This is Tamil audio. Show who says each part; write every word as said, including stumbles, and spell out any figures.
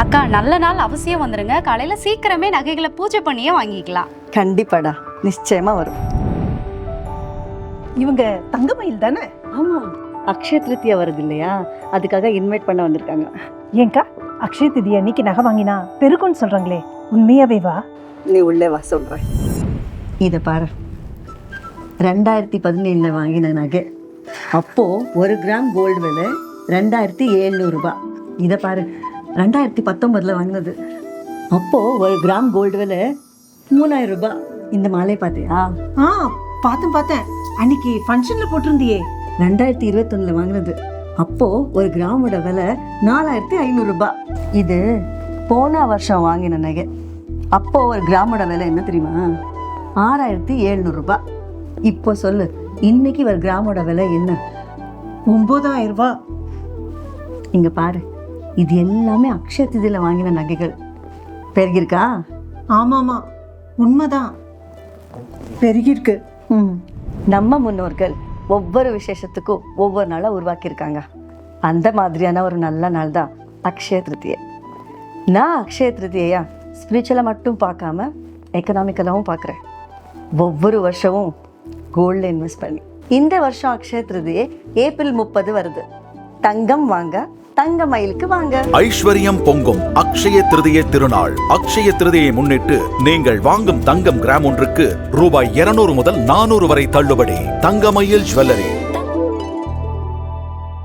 Speaker 1: அக்கா நல்ல நாள் அவசியம் வந்துருங்க. காலையில சீக்கிரமே நகைகளை பூஜை பண்ணியே வாங்கிக்கலாம்.
Speaker 2: கண்டிப்பாடா, நிச்சயமா வரும்.
Speaker 3: இவங்க தங்கமயில் தானே?
Speaker 2: ஆமா, அக்ஷய திருத்தியா வருது இல்லையா, அதுக்காக இன்வைட் பண்ண வந்திருக்காங்க.
Speaker 3: ஏங்கா அக்ஷய திதி அன்னைக்கு நகை வாங்கினா பெருக்குன்னு சொல்றாங்களே, உண்மையாவே வா?
Speaker 2: நீ உள்ளே வா சொல்றேன். இதை பாரு, ரெண்டாயிரத்தி பதினேழுல வாங்கின நகை அப்போ ஒரு கிராம் கோல்டு விலை ரெண்டாயிரத்தி எழுநூறு ரூபாய். இதை பாரு, ரெண்டாயிரத்தி பத்தொன்பதுல வாங்கினது அப்போ ஒரு கிராம் கோல்டு விலை மூணாயிரம் ரூபாய். இந்த மாலை பார்த்தியா?
Speaker 3: ஆ பார்த்தேன் பார்த்தேன், அன்னைக்கு ஃபங்க்ஷன்ல போட்டிருந்தியே.
Speaker 2: ரெண்டாயிரத்தி இருபத்தொன்னுல வாங்கினது அப்போ ஒரு கிராமோட விலை நாலாயிரத்தி ஐநூறு ரூபாய். இது போன வருஷம் வாங்கின நகை. அப்போ ஒரு கிராமோட விலை என்ன தெரியுமா? ஆறாயிரத்தி எழுநூறு ரூபாய். இப்போ சொல்லு, இன்னைக்கு ஒரு கிராமோட விலை என்ன?
Speaker 3: ஒன்பதாயிரம் ரூபாய்.
Speaker 2: இங்க பாரு, இது எல்லாமே அக்ஷய திதியில வாங்கின நகைகள். பெருகிருக்கா?
Speaker 3: ஆமாமா, உண்மைதான், பெருகிருக்கு.
Speaker 2: ம் நம்ம முன்னோர்கள் ஒவ்வொரு விசேஷத்துக்கும் ஒவ்வொரு நாளை உருவாக்கியிருக்காங்க. அந்த மாதிரியான ஒரு நல்ல நாள் தான் அக்ஷய திருத்தியை. நான் அக்ஷய திருத்தியையா ஸ்பிரிச்சுவலாக மட்டும் பார்க்காம எக்கனாமிக்கலாகவும் பார்க்குறேன். ஒவ்வொரு வருஷமும் கோல்டில் இன்வெஸ்ட் பண்ணி. இந்த வருஷம் அக்ஷய திருதியை ஏப்ரல் முப்பது வருது. தங்கம் வாங்க, தங்க மயிலுக்கு வாங்க.
Speaker 4: ஐஸ்வர்யம் பொங்கும் அக்ஷய திருதியை திருநாள். அக்ஷய திருதியை முன்னிட்டு நீங்கள் வாங்கும் தங்கம் கிராம் ஒன்றுக்கு ரூபாய் இருநூறு முதல் நானூறு வரை தள்ளுபடி. தங்கமயில் ஜுவல்லரி.